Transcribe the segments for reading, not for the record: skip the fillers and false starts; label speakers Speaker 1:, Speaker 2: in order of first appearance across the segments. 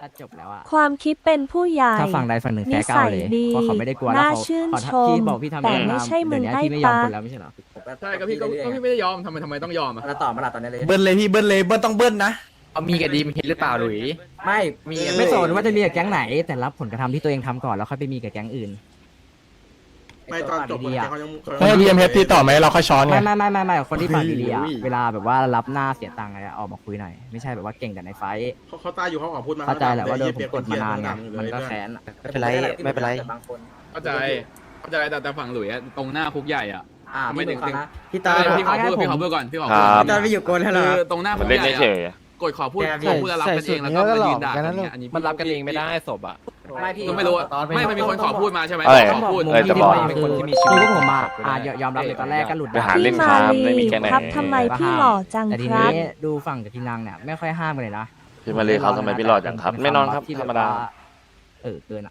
Speaker 1: ถ้าจบแล้วอะ
Speaker 2: ความคิดเป็นผู้ใหญ่
Speaker 1: ถ้าฝั่งใดฝั่งหนึ่ง
Speaker 2: นิ
Speaker 1: แพ้ก้า
Speaker 2: สั
Speaker 1: วย เลย
Speaker 2: ดี
Speaker 1: เพราะเขาไม่ได้กลัวแล้ว
Speaker 2: น่า
Speaker 1: เขา
Speaker 2: ชื่น
Speaker 1: เขา
Speaker 2: ชม
Speaker 1: พี่บอกพี่ทำ
Speaker 2: แต่
Speaker 1: เอง
Speaker 2: ไม่ใช่มึง
Speaker 1: เดี๋ยว
Speaker 2: ให้
Speaker 1: นี้พี่ไม่ยอม
Speaker 2: ปะ
Speaker 1: คนแล้วไม่ใช่เหรอ
Speaker 3: ใช่ก็พี่ไม่ได้ยอมทำไมต้องยอมอ่ะ
Speaker 4: แล้วต่อมาละตอนนี้เลย
Speaker 5: เบิ้ลเลยพี่เบิ้ลเลยเบิ้ลต้องเบิ้ลนะ
Speaker 6: เอามีกับดีมเห็นหรือเปล่าหลุย
Speaker 4: ไม่มี
Speaker 1: ไม่สนว่าจะมีกับแก๊งไหน แต่รับผลกระทำที่ตัวเองทำก่อนแล้วค่อยไปมีกับแก๊งอื่น
Speaker 7: ไม่ตอนจบ
Speaker 1: ดีๆอะ
Speaker 7: เขายัง
Speaker 5: ให้พีเอ็มเอฟตีต่อไหมเราค่อยช้อนไง
Speaker 1: ไม่คนที่ปากดีๆอะเวลาแบบว่ารับหน้าเสียตังค์อะไรอะออกมาคุยหน่อยไม่ใช่แบบว่าเก่งแต่ในไฟท์
Speaker 7: เขาตายอยู่เขาออกพูดมา
Speaker 1: เข้าใจแหละว่าโดนผมกดมานานไงมันก็แค้นอะ
Speaker 4: ไม่เป็นไรไม่เป็นไรบางคน
Speaker 3: เข้าใจแต่ฝั่งหลุยอะตรงหน้าคุกใหญ่อ่ะ
Speaker 4: ไม่ถึงนะ
Speaker 3: พี่ตาพี่ขอพูดก่อนพี่ขอพูด
Speaker 4: พี่ตอนไปอยู่โกนแล้วเหร
Speaker 3: คือ อตรงหน้าคุก
Speaker 6: เล่น
Speaker 3: ใหญ่
Speaker 6: เฉย
Speaker 3: กดขอพูดแล้วรับกันเองแล้วก็มายืนด่ากันอันนี้
Speaker 6: มันรับกันเองไม่ได้ศพอ่ะ
Speaker 4: ไม่พี่
Speaker 3: ก็ไม่รู้ไม่มันมีคนขอพูดมาใช่ไหม
Speaker 6: เอ้ย
Speaker 3: ขอพูด
Speaker 6: เอ้ยจะบอก
Speaker 1: เป็นคนที่มีชีวิตพวกผมยอมรับเลยตอนแรกก็หลุด
Speaker 6: ไปหา
Speaker 2: พี่
Speaker 6: เล่น
Speaker 2: มา
Speaker 6: ครับ
Speaker 2: ลี
Speaker 6: ไม่มีแค่ไหน
Speaker 2: ครับทำไมพี่หล่อจัง
Speaker 1: แต่ที
Speaker 2: ครั
Speaker 1: นี้
Speaker 2: บ
Speaker 1: ดูฝั่งกับทีนังเนี่ยไม่ค่อยห้ามกันเลยนะ
Speaker 6: พี่มาเลยเขาทำไมพี่หลอดจังครับ ไม่นอนครับ
Speaker 1: ที่
Speaker 6: ธรรมดา
Speaker 1: เกินอะ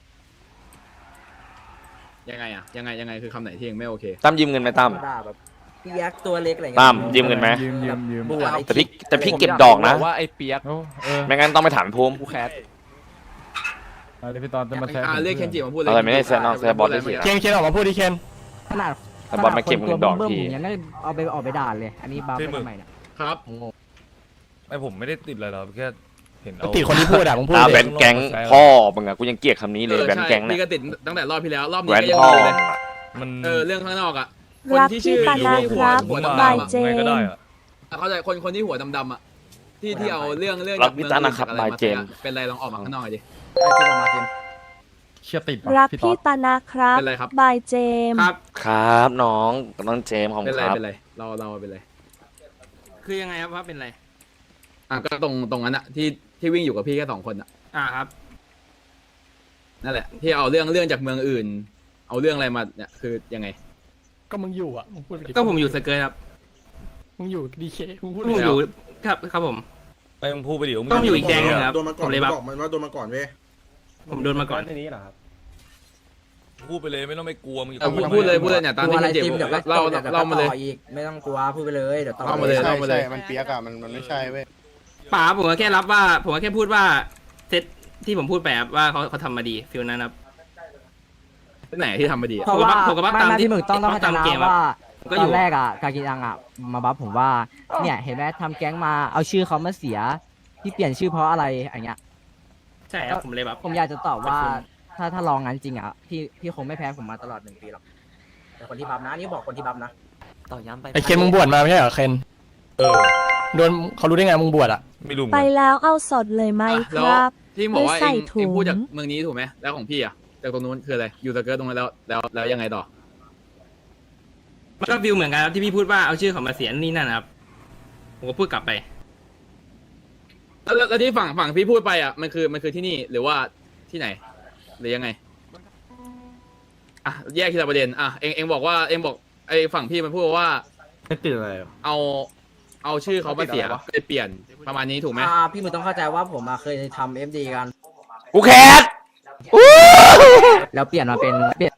Speaker 3: ยังไงคือคำไหนที่ยังไม่โอเค
Speaker 6: ตั้มยืมเงินไหมตั้ม
Speaker 4: ด่าแบบพี่ยักษ์ตัวเล็กอะไรเงี้ย
Speaker 6: ตั้มยืมเงินไหม
Speaker 5: ยืม
Speaker 4: บวช
Speaker 6: แต่พี่เก็บดอกนะ
Speaker 8: ว่าไอ้เปียก
Speaker 6: ไม่งั้นต้องไปถามภูมิ
Speaker 8: กูแคส
Speaker 5: อะไรพี่ตอนจะมาแซ
Speaker 3: เรียกเคนจิมาพูดเลย
Speaker 6: อะไรไม่ได้แซะน้องแซะบอสได้สิ
Speaker 5: เคนออกมาพูดดิเคน
Speaker 1: ขนาด
Speaker 6: แต่บอลมาเก็บเงินดอก
Speaker 1: เบิ้ม
Speaker 6: ที
Speaker 1: ๆอย่างนั้นเอาไปออกไปด่าเลย อันนี้บ้าไปทำไมเนี่ย
Speaker 3: ครับ
Speaker 1: งง
Speaker 8: ไม่ผมไม่ได้ติดอะไรหรอกแค่เห็นเอา
Speaker 5: ติคนที่พูดอะมึงพูด
Speaker 6: ตา
Speaker 5: เล
Speaker 6: แบ
Speaker 5: ย
Speaker 6: นแก๊งพ่อมึงอะกูยังเกลียดคำนี้เลยแบนแก๊ง
Speaker 3: นี่
Speaker 6: เนี่ย
Speaker 3: ก็ติดตั้งแต่รอบที่แล้วรอบ
Speaker 6: แหว
Speaker 3: นี้
Speaker 6: น
Speaker 3: ก็ยัง
Speaker 6: พ่อ
Speaker 3: มีเลย
Speaker 8: มัน
Speaker 3: เรื่องข้างนอกอ่ะ
Speaker 2: รักพี่ปานาครับ
Speaker 3: หัว
Speaker 2: บาย
Speaker 3: ดำๆ
Speaker 2: เจ
Speaker 8: ไงก็
Speaker 2: น
Speaker 8: ได้อะ
Speaker 3: เข้าใจคนที่หัวดำๆอ่ะที่เอาเรื่อง
Speaker 6: รักพี่ตานะครับบายเจม
Speaker 3: เป็นไรลองออกมาข้างนอกดิ
Speaker 5: เชื่อติด
Speaker 2: รักพี่ปานาครับ
Speaker 3: เป็นไรครับ
Speaker 2: บายเจม
Speaker 3: ครับ
Speaker 6: ครับน้องเจมส์ของ
Speaker 3: เป็น
Speaker 6: ค
Speaker 3: ไร
Speaker 6: รับ
Speaker 3: เป็นไรเราเป็นไร
Speaker 9: คือยังไงครับว่าเป็นไร
Speaker 3: ก็ตรงนั้นอ่ะที่วิ่งอยู่กับพี่แค่2 คนอ่ะ
Speaker 9: ครับ
Speaker 3: นั่นแหละที่เอาเรื่องจากเมืองอื่น เอาเรื่องอะไรมาเนี่ยคือยังไง
Speaker 5: ก็มึงอยู่อะมึงพูดไปดิ
Speaker 9: ก็ผมอยู่สเกิร์ตครับ
Speaker 5: มึงอยู่ดีเคมึงพูด
Speaker 9: ผมอยู่ครับผม
Speaker 8: ไปมึงพูดไปเดี๋ยว
Speaker 9: ต้องอยู่อีกแดงหนึ่งครับ
Speaker 7: โดนมาก่อน
Speaker 9: ผมเลยแบบ
Speaker 7: บอกมันว่าโดนมาก่อนเว้ย
Speaker 9: ผมโดนมาก่อน
Speaker 5: ในนี้เหรอครับ
Speaker 8: พูดไปเลยไม่ต้องไปกลัวมึงอยู่
Speaker 3: พูดเลยเนี่ยตาม
Speaker 4: กลัว
Speaker 3: ที่
Speaker 4: อะไร
Speaker 3: เจ็บ
Speaker 4: จิมเดี๋ยวก็
Speaker 3: เล่ามาเลย
Speaker 4: ต่ออีกไม่ต้องกลัวพูดไปเลยเดี๋ยวต่อ
Speaker 3: เล่ามาเลย
Speaker 7: ใช่ใช่มันเปียกอะมันไม่ใช่เว้ย
Speaker 9: ป๋าผมก็แค่รับว่า ผมก็แค่พูดว่าเซตที่ผมพูดไปครับว่าเขาทำมาดีฟิลนั้นครับ
Speaker 3: ที่ไหนที่ทำมาดี
Speaker 1: เพราะว่า
Speaker 9: ผมก็ว่าตาม
Speaker 1: ไม่
Speaker 9: ที่
Speaker 1: ที่มึงต้องเข้าใจ
Speaker 9: ตาม
Speaker 1: นะ
Speaker 9: เกมอะ
Speaker 1: ว่า
Speaker 9: ก็
Speaker 1: ต
Speaker 9: อยู่
Speaker 1: อนแรกอะกากินังอะมาบัฟผมว่าเนี่ยเห็นไหมทำแก๊งมาเอาชื่อเขามาเสียที่เปลี่ยนชื่อเพราะอะไรอย่างเงี้ย
Speaker 9: ใช่ครับผมเลยแบบ
Speaker 1: ผมอยากจะตอบว่าถ้าลองงั้นจริงอะพี่คงไม่แพ้ผมมาตลอด1 ปีหรอก
Speaker 4: แต่คนที่บัฟนะนี่บอกคนที่บัฟนะ
Speaker 6: ต่อย้ำไป
Speaker 5: ไอเคนมึงบวชมาไม่ใช่เหรอเคน
Speaker 8: เออ
Speaker 5: โดนเขารู้ได้ไงมึงบวชอะ
Speaker 8: ไม่รู้เหมือน
Speaker 2: ไป
Speaker 8: กัน
Speaker 2: แล้วเอาสดเลยไหมค
Speaker 3: แล้ว
Speaker 2: รับ
Speaker 3: ที่บอกว่า
Speaker 2: ไม่ใส่
Speaker 3: เอง
Speaker 2: ถุง
Speaker 3: พูดจากเมืองนี้ถูกไหมแล้วของพี่อ่ะจากตรงนู้นคืออะไรอยู่สเกิร์ตตรงนั้นแล้วยังไงต่อ
Speaker 9: มันก็ฟิลเหมือนกันครับที่พี่พูดว่าเอาชื่อเขามาเสียนี่นั่นนะครับผมก็พูดกลับไป
Speaker 3: แล้วที่ฝั่งพี่พูดไปอ่ะมันคือที่นี่หรือว่าที่ไหนหรือยังไงอ่ะแยกทีละประเด็นอ่ะเองบอกว่าเองบอกไอ้ฝั่งพี่มันพูดว่า
Speaker 6: ไม่ติดอะไร
Speaker 3: เอาชื่อเขามาเสียเลยเปลี่ยนประมาณนี้ถูกไหม
Speaker 4: พี่มึงต้องเข้าใจว่าผมเคยทำ FD กัน
Speaker 6: กูแคส
Speaker 1: แล้วเปลี่ยนมาเป็นเปลี่ยน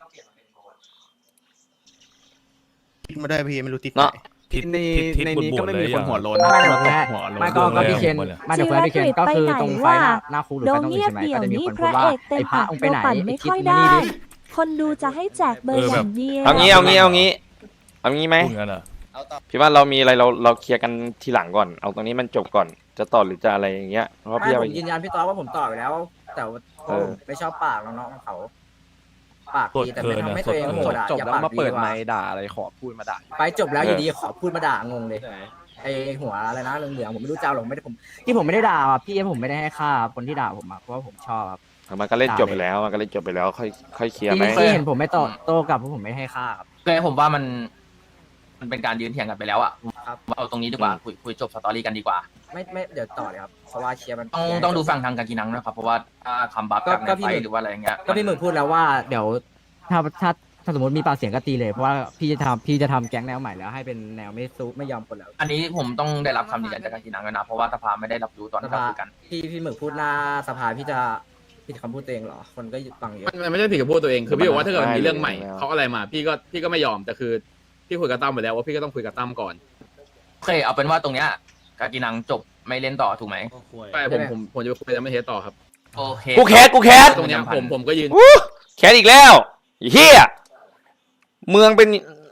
Speaker 7: ไม่ได้พี่ไม่รู้ติด
Speaker 6: เนาะ
Speaker 8: ทิศบนเลยอย่าง
Speaker 1: ไม่เดี๋ยวแพ้ไม่ก็พี่เคนไม่เดี๋ยวแพ้พี่เคนก็คือตรงไฟหน้าคุกหรือ
Speaker 2: โด
Speaker 1: ไฟ
Speaker 2: น
Speaker 1: ตรงอื่
Speaker 2: เงี
Speaker 1: น
Speaker 2: ยบ
Speaker 1: ใช่ไหม
Speaker 2: เดี่ย
Speaker 1: ก็
Speaker 2: ว
Speaker 1: จะมี
Speaker 2: นี้
Speaker 1: คน
Speaker 2: พ
Speaker 1: พูด
Speaker 2: ระ
Speaker 1: ว่า
Speaker 2: เอกเต็
Speaker 1: ไอ้
Speaker 2: ม
Speaker 1: พระ
Speaker 2: ปาก
Speaker 1: องค์
Speaker 2: โด
Speaker 1: ไปไหน
Speaker 2: ปั่น
Speaker 1: ไอ้
Speaker 2: ไม่
Speaker 1: คิด
Speaker 2: ค่อย
Speaker 1: มา
Speaker 2: ได้
Speaker 1: นี่ดิ
Speaker 2: คนดูจะให้แจกเบอร์อย่างเดียว
Speaker 6: เอางี้ไหม
Speaker 8: พูดงั้นอ่ะ
Speaker 6: พี่ว่าเรามีอะไรเราเคลียร์กันทีหลังก่อนเอาตรงนี้มันจบก่อนจะต่อหรือจะอะไรอย่างเงี้ยเพราะพี่
Speaker 4: ไม่
Speaker 6: เอา
Speaker 4: ผ
Speaker 6: ไป
Speaker 4: มยืนยันพี่ต๊อกว่าผมต่อไปแล้ว แต่ว่าไม่ชอบปากน้องๆเขาปากดีแต่ไม่ทำให้ตัวเองโหดอะอย่าปากดีกว่า
Speaker 6: อะไรขอพูดมาด่า
Speaker 4: ไปจบแล้วอยู่ดีขอพูดมาด่างงเลยไอหัวอะไรนะเหลืองๆผมไม่รู้จ้าหรอกไม่ได้ผม
Speaker 1: ที่ผมไม่ได้ด่าอ่ะพี่ผมไม่ได้ให้ค่าคนที่ด่าผมอ่ะเพราะว่าผมชอบครับ
Speaker 6: มันก็เล่นจบไปแล้วค่อยเคลียร์ไหม
Speaker 1: ที่เห็นผมไม่โตกลับเพราะผมไม่ให้ค่าครับ
Speaker 6: ก็ผมว่ามันเป็นการยืนเถียงกันไปแล้วอ่ะ
Speaker 4: ครับ
Speaker 6: เอาตรงนี้ดีกว่าคุยจบสตอรี่กันดีกว่า
Speaker 4: ไม่เดี๋ยวต่อเลยครับเพราะว่าเชียร์มัน
Speaker 6: ต้องดูฝั่งทางการกินังนะครับเพราะว่าถ้าคำบัฟจากในไฟหรือว่าอะไรอย่างเงี้ย
Speaker 4: ก็พี่หมึกพูดแล้วว่า
Speaker 1: เดี๋ยวถ้าสมมติมีปากเสียงก็ตีเลยเพราะว่าพี่จะทำแก๊งแนวใหม่แล้วให้เป็นแนวไม่สู้ไม่ยอมคนแล้ว
Speaker 6: อันนี้ผมต้องได้รับคำยืนยันจากการกินังแล้วนะเพราะว่าสภาไม่ได้รับรู้ตอนที่เราคุยกัน
Speaker 4: พี่หมึกพูดหน้าสภาพี่จะผิดคำพูดตัวเองเหรอคนก็ฟังเยอะ
Speaker 3: มันไม่ใช่ผิดกับพูดตัวเองคือพี่บอกว่าถ้าเกิดมันมีเรื่องใหม่เขาอะไรมาพี่ก็ไม่ยอมแต่คือพี่คุยกับตั้มไปแล้วว่าพี่ก็ต้องคุยกับตั้มก่อน
Speaker 6: โอเคเอาเป็นว่าตรงเนี้ยการกินังจบไม่เล่นต่อถูกไหม
Speaker 3: ใช่ผมจะไปคุยกับไม่เทสต่อครับ
Speaker 10: โอเค
Speaker 6: กูแคส
Speaker 3: ตรงเนี้ยผมก็ยืน
Speaker 6: แคสอีกแล้วไอ้เฮียเมืองเป็น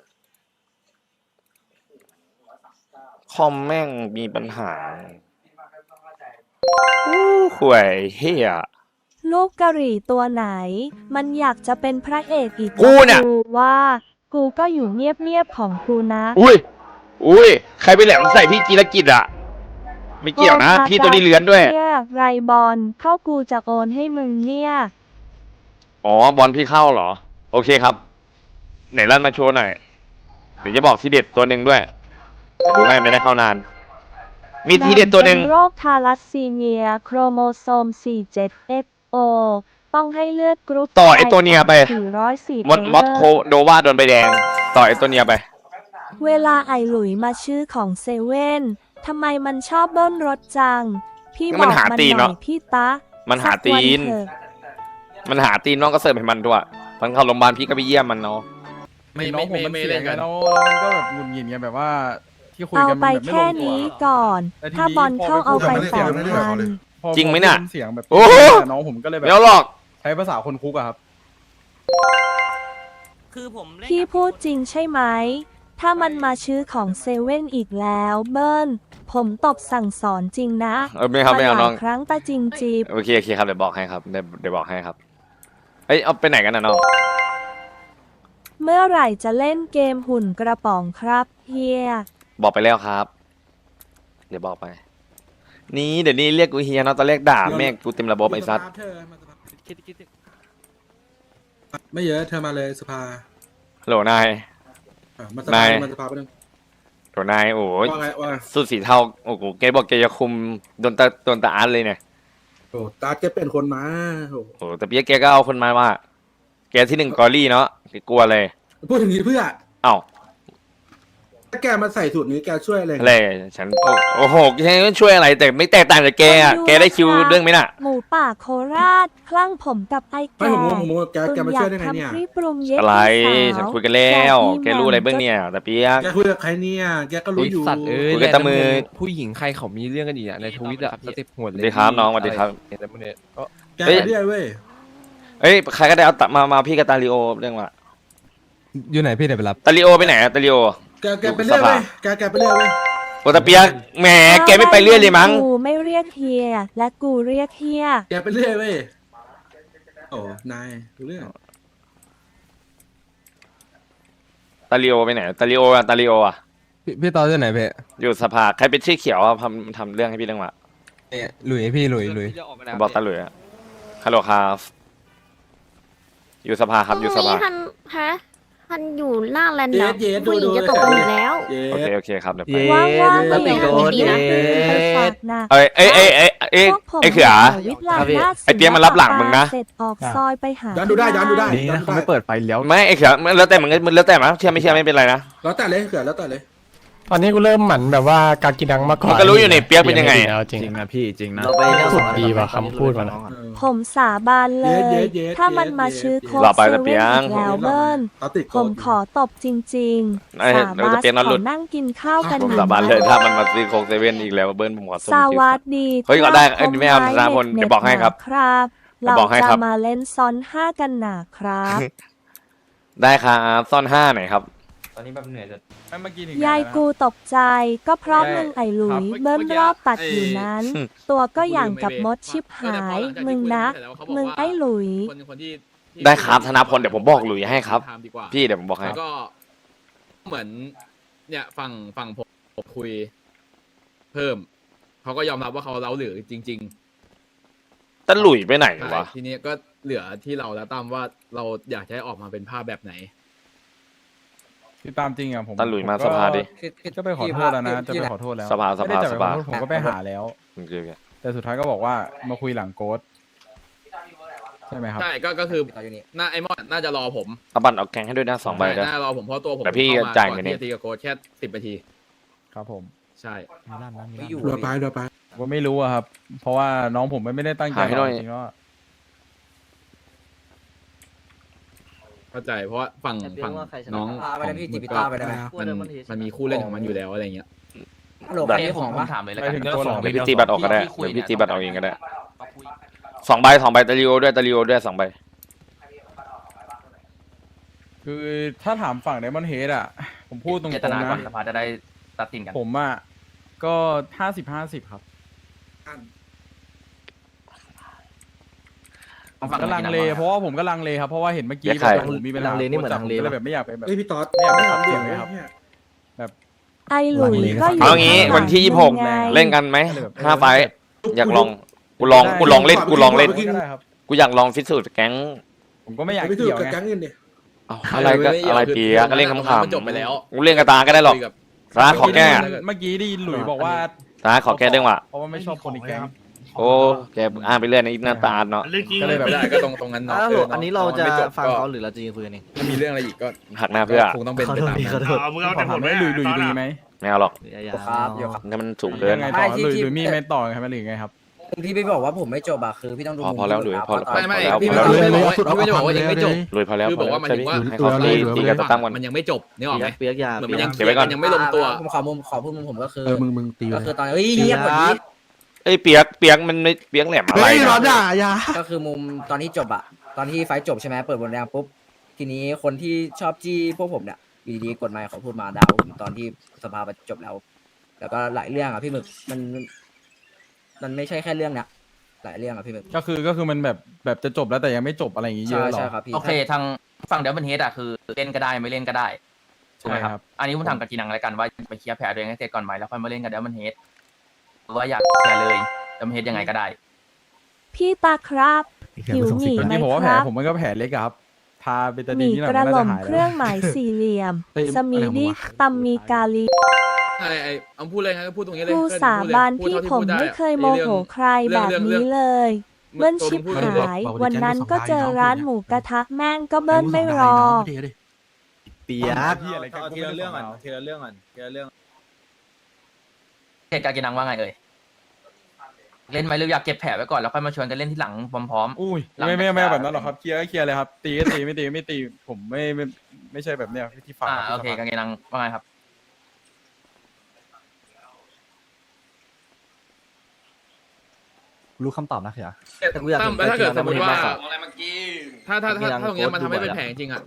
Speaker 6: คอมแม่งมีปัญหาห่วยเฮีย
Speaker 2: ลูกกะหรี่ตัวไหน มันอยากจะเป็นพระเอกอีก
Speaker 6: กูเนี่ย
Speaker 2: กูว่า กูก็อยู่เงียบๆของกูนะ
Speaker 6: อุ้ยใครไปแหลมใส่พี่จีรกิจอ่ะไม่เกี่ยวนะ พี่ตัวนี้เลื้อนด้วย
Speaker 2: เนี่ยไรบอลเข้ากูจะโอนให้มึงเนี่ย
Speaker 6: อ๋อบอลพี่เข้าเหรอ โอเคครับ ไหนลั่นมาโชว์หน่อยเดี๋ยวจะบอกทีเด็ดตัวหนึ่งด้วยไม่ได้เข้านาน มีทีเด็ดตัวหนึ่ง
Speaker 2: โรคทาลัสซีเมียโครโมโซม 47XO ต้องให้เลือดกรุ๊ป
Speaker 6: ต่อไอ้ตัวเนี้ยไป
Speaker 2: 404
Speaker 6: มอสโคโดวาโดนใบแดง ต่อไอ้ตัวเนี้ยไป
Speaker 2: เวลาไอหลุยมาชื่อของเซเว่นทำไมมันชอบเบิ้ลรถจัง พี่
Speaker 6: ก็
Speaker 2: บ
Speaker 6: มัน
Speaker 2: อก
Speaker 6: หา
Speaker 2: มัน
Speaker 6: ตีน
Speaker 2: หน่
Speaker 6: เน
Speaker 2: อ
Speaker 6: อะ
Speaker 2: ยพี่ตะ
Speaker 6: มันหาตีน
Speaker 2: สักวัเถอะ
Speaker 6: มันหาตีนน้องก็เสิร์ฟให้มันด้วยตอนเข้าโรงพยาบาลพี่ก็ไปเยี่ยมมันเนาะ
Speaker 3: ไม่เล่นกัน
Speaker 5: มันก็แบบหงุดหงิดไงแบบว่าที่คุย
Speaker 2: เอา
Speaker 5: กัน
Speaker 2: ไปแค่นี้ก่อน ถ้าบอลเข้าเอาไป8,000
Speaker 6: จริงไหมน่ะ
Speaker 5: เสียงแบบ
Speaker 6: โอ้โห
Speaker 5: น้องผมก็เลยแบบ
Speaker 6: ไม่เอาหรอก
Speaker 5: ใช้ภาษาคนคุกอะครับ
Speaker 10: คือผมเล่น
Speaker 2: พี่พูดจริงใช่ไหม ถ้ามันมาชื่อของเซเว่นอีกแล้วเบิ้ลผมตบสั่งสอนจริงนะ
Speaker 6: ไม่เอา
Speaker 2: ห
Speaker 6: น้
Speaker 2: ลา
Speaker 6: อง
Speaker 2: ยครั้งตาจริงจีบ
Speaker 6: โอเคครับเดี๋ยวบอกให้ครับเดี๋ยวบอกให้ครับเอ้ยเอาไปไหนกันนะน้อง
Speaker 2: เมื่อไหร่จะเล่นเกมหุ่นกระป๋องครับเฮีย
Speaker 6: บอกไปแล้วครับ เดี๋ยวบอกไป นี่เดี๋ยวนี้เรียกกูเฮียเนาะตอนแรกด่าแม่งกูเต็มระบบไอ้ซัด
Speaker 7: ไม่เยอะเธอมาเลยสภา
Speaker 6: โหลนาย
Speaker 7: มาส
Speaker 6: นา
Speaker 7: ภาย มาสภาไปนึง
Speaker 6: โหลนายโอ้ย
Speaker 7: ว่าไงว่าไง
Speaker 6: สุดสีเทาโอ้โหแกบอกแกจะคุมโดนตาอาร์ตเลยเนี่ย
Speaker 7: โอ้ตาแกเป็นคนมาโอ้
Speaker 6: โอ้แต่เปียกแกก็เอาคนมาว่า แกที่หนึ่งกอรี่เนาะแกกลัวเลย
Speaker 7: พูดถึงนี้เพื่อ
Speaker 6: เอ้า
Speaker 7: ถ้าแกมาใส่สูตรนี้แกช่วยอะไร
Speaker 6: อะไรฉันโอ้โหแกไม่ช่วยอะไรแต่ไม่แตกต่างจากแกอ่ะแกได้คิวเรื่องไหมน่ะ
Speaker 2: หมูป่าโคราชคลั่งผมกับไอ้
Speaker 7: ไม่
Speaker 2: แก่
Speaker 7: ผมแกมาช่วยได้ไงเนี่ย
Speaker 2: ทำพี่ปรุงเย็ด
Speaker 6: อะไร
Speaker 2: พี่สาว
Speaker 6: ฉันคุยกันแล้ว แกรู้อะไรเบื้องเนี่ยแต่เปียก
Speaker 7: แกคุยกับใครเนี่ยแกก็รู้อยู่
Speaker 8: สัตว์เอ้ย
Speaker 6: คุยกับตามือ
Speaker 8: ผู้หญิงใครเขามีเรื่องกันอีกอ่ะในทวิตอ่ะสเต็ปหัว
Speaker 6: ส
Speaker 8: เล
Speaker 6: วั
Speaker 8: ย
Speaker 6: สดีครับน้องสวัสดีครับ
Speaker 8: อะไรพวกเนี้ยก็
Speaker 7: แกไปเรื่อยเว้ย
Speaker 6: เอ้ยใครก็ได้เอาตัดมาพี่กับตาลิโอเรื่องว่า
Speaker 8: อยู่ไหนพี่เดี๋ยวไปรับ
Speaker 6: ตาลิโอไปไหนอะตาลิโอ
Speaker 7: แกไปเรื่อยเว้ยแกไปเรื่อยเว้ย
Speaker 6: โอตาเปียกแหมแกไม่ไปเรื่อยเลยมั้ง
Speaker 2: กูไม่เรียกเฮียและกูเรียกเฮีย
Speaker 7: แกไปเรื่อยเว้ยโอ้นายรู้เรื่อง
Speaker 6: ตาลิโอไปไหนตาลิโออะ
Speaker 8: พี่ตอนอยู่ไหนพี่
Speaker 6: อยู่สภาใครเป็นชื่อเขียวอะทำเรื่องให้พี่เรื่องว่า
Speaker 8: หลุยพี่หลุย
Speaker 6: บอกตาหลุยอะฮัลโหลครับอยู่สภาครับอยู่สภา
Speaker 11: ทันอยู่หน้าแลนด์
Speaker 7: เย็
Speaker 11: ดั
Speaker 7: ด
Speaker 11: บ
Speaker 7: เย็ด
Speaker 11: ผู้หญิงจะตกกันอยู่แล้ว
Speaker 7: เย็
Speaker 6: โอ
Speaker 7: ด
Speaker 6: เคครับเดี๋ยวไป
Speaker 2: ว่างๆก็อย่า
Speaker 11: ดีนะ
Speaker 2: ไปฝากนะ
Speaker 6: เอ้ย
Speaker 2: พวกผม
Speaker 6: ไอ้เขือ
Speaker 2: วิทย์ลาหน้า
Speaker 6: ไอ้เปี๊ยกมันรับหลังมึงนะ
Speaker 2: เสร็จออกซอยไปหา
Speaker 7: ย้อนดูได้ย้อนดูได้
Speaker 8: นี่นะเขาไม่เปิดไฟเลี้ยว
Speaker 6: ไม่ไอ้เขือแล้วแต่มึงแล้วแต่มั้งเชื่อไม่เชื่อไม่เป็นไรนะ
Speaker 7: แล้วแต่เลยเขื่อนแล้วแต่เลย
Speaker 5: ตอนนี้กูเริ่มหมั่นแบบว่ากากินังมาก่อน
Speaker 6: มันก็รู้อยู่ในเปี๊ยกเป็นยังไง
Speaker 5: เอาจริง
Speaker 8: นะพี่จริงนะ
Speaker 1: เราไปเรื่อง
Speaker 5: สุดดีว่ะคำพูดมันอะ
Speaker 2: ผมสาบานเลย ถ้ามันมาชื่อโค้ด
Speaker 6: รอไป
Speaker 2: เซ
Speaker 6: แต่เปี
Speaker 2: เว่
Speaker 6: ๊
Speaker 2: น
Speaker 6: ยก
Speaker 2: อีกแล้วเบิ้ล
Speaker 7: เขาติด
Speaker 2: ผมขอตบจริง
Speaker 6: ไอ้
Speaker 2: ๆ สา
Speaker 6: เดี๋ยว
Speaker 2: บา
Speaker 6: จะ
Speaker 2: น
Speaker 6: เปี๊ยกนั่น
Speaker 2: ข
Speaker 6: หลุ
Speaker 2: อ
Speaker 6: ด
Speaker 2: นั่งกินข้าวกัน
Speaker 6: ผม
Speaker 2: ห
Speaker 6: สาบาน
Speaker 2: ไหม
Speaker 6: เลยถ้ามันมาซื้อโค้กเซเว่นอีกแล้วเบิ้ลผมขอส้ม
Speaker 2: สวัสดี
Speaker 6: เฮ้ยก็ได้เอ้ยไม่เอาธนาพลเดี๋ยวบอกให้ครับ
Speaker 2: ครับ
Speaker 6: เดี๋ยว
Speaker 2: เรา
Speaker 6: บอกให้ครั
Speaker 2: จะ
Speaker 6: บ
Speaker 2: มาเล่นซ้อน5กันหนาครับ
Speaker 6: ได้ครับซ่อน5หน่อยครับ
Speaker 8: ตอนนี้แบบเหนื่อยจะ
Speaker 2: ยายกูตกใจก็เพราะมึงไอ้หลุยเบิ้มรอบตัดอยู่นั้น ตัวก็อย่างกับมดชิบหาย มึงนะ มึงไอ้หลุย
Speaker 3: คนที่
Speaker 6: ได้ครับธนาพลเดี๋ยวผมบอกหลุยให้ครับ
Speaker 3: ทำดีกว่า
Speaker 6: พี่เดี๋ยวผมบอกให้
Speaker 3: แล้วก็เหมือน เนี่ยฝั่งผมคุย เพิ่มเขาก็ยอมรับว่าเขาเล้าหรือจริง
Speaker 6: ตะหลุยไปไหน
Speaker 3: ๆใช่
Speaker 6: วะ
Speaker 3: ทีนี้ก็เหลือที่เราแล้วตามว่าเราอยากจะให้ออกมาเป็นภาพแบบไหน
Speaker 5: พี่ตามจริงอ่ะผม
Speaker 6: ตะหลุยมาสภาดิ
Speaker 5: ก็ไปขอโทษแล้วนะจะไปขอโทษแล้ว
Speaker 6: สภา
Speaker 5: ไม่ได้จะไปขอโทษผมก็ไปหาแล้ว
Speaker 6: โอเค
Speaker 5: แต่สุดท้ายก็บอกว่ามาคุยหลังโกดใช่ไหมครับ
Speaker 3: ใช่ก็คือ
Speaker 4: ต่ออยู่นี่
Speaker 3: น่าไอ้มอนน่าจะรอผม
Speaker 6: เอาบัตรเอาแกงให้ด้วยนะ2ใบนะ
Speaker 3: น่ารอผมเพราะตัวผม
Speaker 6: แต่พี่
Speaker 3: เข้ามา
Speaker 6: จ่าย
Speaker 3: ก่อน
Speaker 6: เงินเอง
Speaker 3: ที่จะตีกับโค้ชแค่10 นาที
Speaker 5: ครับผม
Speaker 3: ใช่
Speaker 4: ไม่อยู่
Speaker 7: เรือไปเรือไป
Speaker 5: ผมก็ไม่รู้อะครับ เพราะว่าน้องผมไม่ได้ตั้งใจ
Speaker 6: หาให้หน่อย
Speaker 5: จริงๆแล้วอะ
Speaker 3: เข้าใจเพราะว่าฝั่งน้อง
Speaker 4: พาไปได้พี่
Speaker 3: ของ
Speaker 4: จิบิต้าไปได้ไหม
Speaker 3: มันมีคู่เล่นของมันอยู่แล้วอะไรเงี้ย
Speaker 4: ฮัลโหลใครมีของวะ
Speaker 10: ถามเลยแล้ว
Speaker 5: ไป
Speaker 10: กัน
Speaker 5: ถึงตัวหลง
Speaker 6: เดี๋ยวพี่ตีบัตรออกก็ได้เดี๋ยวพี่ตีบัตรออกเองก็ได้ 2 ใบตาลิโอด้วย2 ใบ
Speaker 5: คือถ้าถามฝั่งไดมอนเฮดอ่ะ ผมพูดตรงๆนะ
Speaker 9: สภาจะได้ตัดสินกัน
Speaker 5: ผมอ่ะก็50-50ครับก็ลังเลเพราะว่าผมก็ลังเลครับเพราะว่าเห็นเมื่อกี้
Speaker 6: แยกใคร
Speaker 5: แบบผมมีปัญหาก็เลยแบบไม่อยากไปแบบ
Speaker 7: เฮ้ยพี่ต๊อด
Speaker 5: ไม่อยากไปขับ
Speaker 7: เสี
Speaker 5: เสี
Speaker 7: ย
Speaker 5: ย
Speaker 7: ง
Speaker 5: ง
Speaker 7: เล
Speaker 5: เลย ย
Speaker 7: ค
Speaker 5: ค
Speaker 7: รั
Speaker 5: รับ บแบบ
Speaker 2: ไอหลุยก็อยู่
Speaker 6: เอางี้
Speaker 2: ข้างหลัง
Speaker 6: วันที่
Speaker 2: มึงไง
Speaker 6: 26เล่นกันไหม5 ไฟท์อยากลองกูลองเล่น
Speaker 5: ก็ได้ครับ
Speaker 6: กูอยากลองฟิตสูตรแก๊ง
Speaker 5: ผมก็ไม่อยาก
Speaker 7: ไม่ถูก
Speaker 5: เกี่ยว
Speaker 7: กับ
Speaker 5: ไง
Speaker 7: แก๊งเงินเนี่ย
Speaker 6: เอาอะไรเปียกก็เล่นขำ
Speaker 3: มันจบไปแล้ว
Speaker 6: ๆกูเล่นกระตาก็ได้หรอก
Speaker 3: คุยกับ
Speaker 6: ตาขอแก้
Speaker 5: เมื่อกี้ได้ยินหลุยบอกว่า
Speaker 6: ตาขอแก้เรื่องว่ะ
Speaker 5: เพราะว่าไม่ชอบคนในแก๊ง
Speaker 6: โอ้แกอ่านไปเรื่อยในะหน้าตาเนาะ
Speaker 5: ก็เลยแบบ
Speaker 3: ได้ก็ตรงนั้นเนาะ
Speaker 1: อันนี้เราจะ
Speaker 3: ไม่จบ
Speaker 1: ฟัง
Speaker 3: ก็
Speaker 1: เขาหรือเราจะยิงคุยกันเอง
Speaker 3: ถ้ามีเรื่องอะไรอีกก็
Speaker 6: หักหน้าเพื่อ
Speaker 3: คงต้องเป็นไปตามนั้น
Speaker 10: มึงเอา
Speaker 5: ขอ
Speaker 10: แต่
Speaker 5: ถามว่าหลุยดีไหม
Speaker 6: ไม่เอาหรอก
Speaker 4: ครับเดี๋ยวครับ
Speaker 6: นี่มันสูงเกิน
Speaker 5: ยังไงต่อหลุยมีไม่ต่อครับหรือไงครับ
Speaker 4: ที่พี่บอกว่าผมไม่จบอะคือพี่ต้องดู
Speaker 6: พอแล้วหลุยพอแล้ว
Speaker 3: ไม่
Speaker 6: แล้ว
Speaker 3: พี่
Speaker 6: พอแล้ว
Speaker 3: ไม่บอกว่าพี่ไม่ได้บอกว่ายังไม่จบ
Speaker 6: รวยพอแล้ว
Speaker 3: คือบอกว่าหมายถึงว่า
Speaker 6: ให้เขาตีกันตั้งวัน
Speaker 3: มันยังไม่จบนึกออกไหม
Speaker 1: เปียกยา
Speaker 3: เหมือนมันยัง
Speaker 6: เก็บไว้ก่อน
Speaker 3: ยังไม่ลงตัว
Speaker 4: ผมขอพูดมุมผมก็คือ
Speaker 10: มึงตี
Speaker 4: ก็คือตอนเฮ้ยเงียบกว่านี้
Speaker 6: เอ้ยเปียกมันไม่เปียกแหลมอะไรนะ
Speaker 4: ก็คือมุมตอนที่จบอะตอนที่ไฟท์จบใช่ไหมเปิดบนแดงปุ๊บทีนี้คนที่ชอบจี้พวกผมเนี่ยอยู่ดีๆกฎหมายเขาพูดมาด่าผมตอนที่สภาจบแล้วแล้วก็หลายเรื่องอะพี่หมึกมันไม่ใช่แค่เรื่องเนี้ยหลายเรื่องอะพี่หมึก
Speaker 5: ก็คือมันแบบจะจบแล้วแต่ยังไม่จบอะไรอย่างงี้เย
Speaker 4: ใช่
Speaker 5: อะหรอ
Speaker 4: ใช่ครับพี่
Speaker 9: โอเคทางฝั่งเดบันเฮดอะคือเล่นก็ได้ไม่เล่นก็ได้ถูกไหม
Speaker 5: ใช่
Speaker 9: ค
Speaker 5: ครั
Speaker 9: รับ บอันนี้ผมถามกับจีนังแล้วกันว่าไปเคลียร์แผลตัวเองให้เสร็จก่อนไหมแล้วค่อยมาเล่นกับเดบันเฮดหรือว่าอยากเคลียร์เลยเดบันเฮดยังไงก็ได้
Speaker 2: พี่ตาครับหิวหมี่ไหม
Speaker 5: ที่ผมว่า
Speaker 2: ค
Speaker 5: แผล
Speaker 2: รับ
Speaker 5: ผมมันก็แผลเล็กอะครับทาเบตา
Speaker 2: ห
Speaker 5: ดีน
Speaker 2: มี่
Speaker 5: นี่แหละ
Speaker 2: ก
Speaker 5: มัน
Speaker 2: ระ
Speaker 5: น่า
Speaker 2: ห
Speaker 5: จะ
Speaker 2: ล่ำ
Speaker 5: หาย
Speaker 2: เค
Speaker 5: แล้
Speaker 2: รื่อ
Speaker 5: ว
Speaker 2: งหมายสี่เหลี่ยม
Speaker 10: เฮ้ย
Speaker 2: สมีดิตำมีกาลี
Speaker 3: ไอ้เอาพูดเลยครับพูดตรงนี้เลย
Speaker 2: ครูสาบานพี่ผมไม่เคยโมโหใครแบบนี้เลยเบิ้ลชิบหาย วันนั้นก็เจอร้านหมูกระทะแม่งก็เบิ้ลไม่รอ
Speaker 1: เปียก
Speaker 5: ที่อะไรกัน
Speaker 10: ทีละเรื่องก่อนทีละเรื่องก่อนทีละเรื่อง
Speaker 9: เหตุการณ์จีนังว่าไงเอ่ยเล่นไหมหรืออยากเก็บแผลไว้ก่อนแล้วค่อยมาชวนกันเล่นที่หลังพร้อม
Speaker 5: อุ้ยไม่แบบนั้นหรอกครับเคลียร์ก็เคลียร์เลยครับตีก็ตีไม่ตี ผมไม่ใช่แบบเนี้ยที่ฝั่ง
Speaker 9: โอเคกันจีนังว่าไงครับ
Speaker 1: รู้คำตอบนะเขีย
Speaker 3: ตั้มแล้วถ้าเกิดสมมติว่า
Speaker 1: อะไรเมื่อกี้
Speaker 3: ถ้าตรงเนี้ยมันทำให้เป็นแผลจริงๆอ่ะ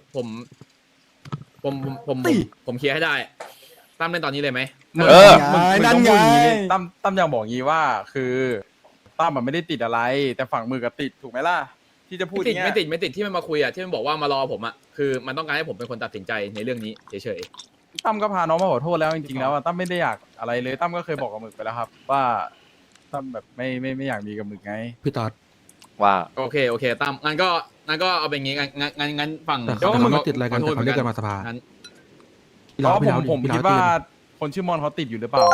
Speaker 3: ผมเคลียร์ให้ได้ตั้มเล่นตอนนี้เลยไหม
Speaker 6: เออ
Speaker 5: นั่นไงตั้มอยากบอกงี้ว่าคือตั้มมันไม่ได้ติดอะไร แต่ฝั่งมือกับติดถูกไหมล่ะที่จะพูด
Speaker 3: ไม่ติด
Speaker 5: เนี้ย
Speaker 3: ไม่ติดที่มันมาคุยอ่ะที่มันบอกว่ามารอผมอ่ะคือมันต้องการให้ผมเป็นคนตัดสินใจในเรื่องนี้เฉย
Speaker 5: ตั้มก็พาน้องมาขอโทษแล้วจริงๆแล้วอะตั้มไม่ได้อยากอะไรเลยตั้มก็เคยบอกกับหมึกไปแล้วครับ ว่าตั้มแบบไม่อยากมีกับหมึกไง
Speaker 10: พี่ต๊อด
Speaker 6: ว่า
Speaker 3: ๆโอเคตั้มงั้นก็เอาเป็นงี้งั้นฝั่ง
Speaker 10: แต่เขาไม่ติดอะไรกันแต่เขาเรียกกันมาสภา
Speaker 3: งั้น
Speaker 5: เพราะผมคิดว่าคนชื่อมอนเขาติดอยู่หรือเปล่า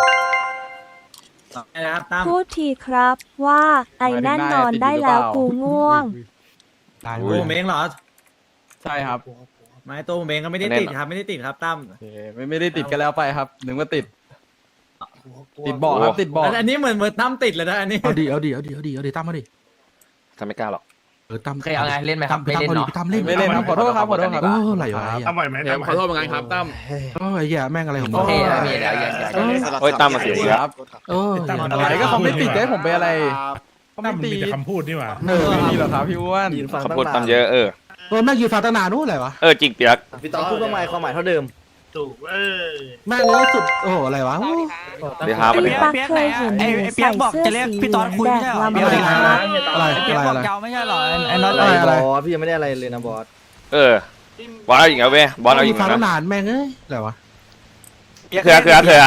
Speaker 2: พูดทีครับว่าไอ้แน่นอนได้แล้วกูง่วง
Speaker 6: อุ้ย
Speaker 10: ผมเองเหรอ
Speaker 5: ใช่ครับ
Speaker 10: ไม่ตัวผมเองก็ไม่ได้ติดครับไม่ได้ติดครับตั้ม
Speaker 5: โอเคไม่ได้ติดกันแล้วไปครับนึกว่าติดเบาะครับติดเบาะ
Speaker 10: อันนี้เหมือนตั้มติดเลยนะอันนี้เอาดิตั้มมาดิ
Speaker 6: ทำไม่กล้าหรอก
Speaker 10: ตั้ม
Speaker 9: โอเคเอาไงเล่นไหมครับไม่เล่นเนาะ
Speaker 10: ตั้มเล่น
Speaker 5: ไม่เล่นครับขอโทษครับ
Speaker 10: อะไรวะ
Speaker 3: ทำไมไหมขอโทษเหมือนกันครับตั้ม
Speaker 10: ไอ้แย่แม่งอะไรของ
Speaker 9: โอเคไม่มีแล้วอย่า
Speaker 6: โอ้ยตั้มมาเสียอีกแล้ว
Speaker 5: อะไรก็เขาไม่ติดให้ผมไปอะไรเขาไม่ติด
Speaker 10: คำพูดนี่หว่า
Speaker 5: ไม่มีหรอกครับพี่อ้วน
Speaker 6: เขาพูดตั้มเยอะ
Speaker 10: แม่งยืนฟังตั้งนานนู้นอะไรวะ
Speaker 6: จริงเปียก
Speaker 1: พี่ต๊อบพูดว่าไงความหมายเท่าเดิม
Speaker 10: แม่งเลยสุดโอ้โหอะไรวะ
Speaker 6: เดี๋ยวหาไปเลย
Speaker 2: พี่ปักเคยเห็นหนูใส่เสื้อสีแดงลำบาก
Speaker 10: อะไร
Speaker 1: ไม่ใช่หรอไอ้น็อตอะไรบอสพี่ยังไม่ได้อะไรเลยนะบอส
Speaker 6: บอลเอาอีกแล้วเว้ยบอลเอาอีก
Speaker 10: ฟัง
Speaker 6: แล้ว
Speaker 10: ตั้งนานแม่งเอ้ยอะไรวะ
Speaker 6: เถื่อ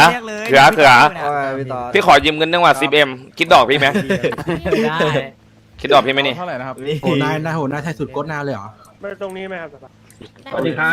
Speaker 1: พี่ต๊อบ
Speaker 6: พี่ขอยืมเงินนึงว่า10M คิดดอกพี่ไหมคิดดอกพี่ไหมนี่
Speaker 5: เท่าไหร่นะครับ
Speaker 10: โหนายไทยสุดโคตรนานเลยเหรอ
Speaker 11: สวัสดีครับ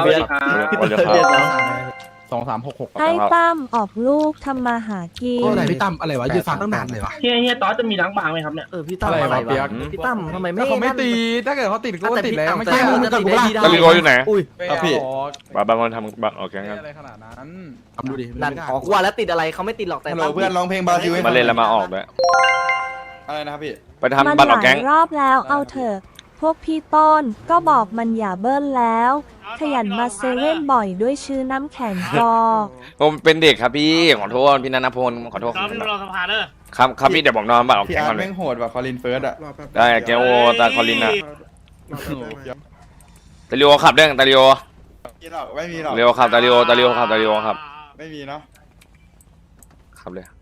Speaker 5: 2366
Speaker 2: ให้ตั้มออกลูกทำมาหากิน
Speaker 10: โอ้ไหนพี่ตั้มอะไรวะยืนฟังตั้งนานเลยวะ
Speaker 1: พี่ต๊อบจะมีล้างบางไหมครับเนี่ยพี่ตั้มอะไรวะพี่ตั้มทำไมไม่
Speaker 5: ถ้าเขาไม่ตีถ้าเกิดเขาติดก็ติดแล้วไม่ใช่
Speaker 6: ตะลิโกอยู่ไหน
Speaker 1: อุ้ย
Speaker 5: พี่
Speaker 6: บางคนทำโอเคงั้น
Speaker 5: อะไรขนาดนั้น
Speaker 10: ทำดูดิ
Speaker 1: นั่นออกว่าแล้วติดอะไรเขาไม่ติดหรอกแต่ตั้ม
Speaker 5: เพื่อนร้องเพลงบาซิล
Speaker 6: มาเล่นแล้วมาออกด้วย
Speaker 5: อะไรนะครับพี่
Speaker 6: ไป
Speaker 2: มัน
Speaker 6: ทำบัตร
Speaker 2: ห
Speaker 6: ออก
Speaker 2: ลา
Speaker 6: แก๊
Speaker 2: ย
Speaker 6: ง
Speaker 2: รอบแล้วเอาเถอะพวกพี่ต้นก็บอกมันอย่าเบิ้ลแล้ว ขยันมาเซเว่นบ่อยด้วยชื่อน้ำแข็งกอ
Speaker 6: ผมเป็นเด็กครับพี่ขอโทษพี่นันทพลขอโทษ
Speaker 10: ตั้มรอสภาเด้อ
Speaker 6: ครับพี่เดี๋ยวบอกน้องบัตรออก
Speaker 5: พี่
Speaker 6: แก๊ง
Speaker 5: อาร์
Speaker 6: ก่อนเล
Speaker 5: ตแม่
Speaker 6: ย
Speaker 5: งโหดว่ะคอลินเฟิร์สอ่ะ
Speaker 6: ได้แกโอตาคอลินอะ
Speaker 5: โอ้โห
Speaker 6: ตาลิโอขับเรื่องตาลิโอ
Speaker 5: ไม่มีหรอก
Speaker 6: เร็วขับตาลิโอขับตาลิโอครับ
Speaker 5: ไม่มีเนาะ
Speaker 6: ขับเลย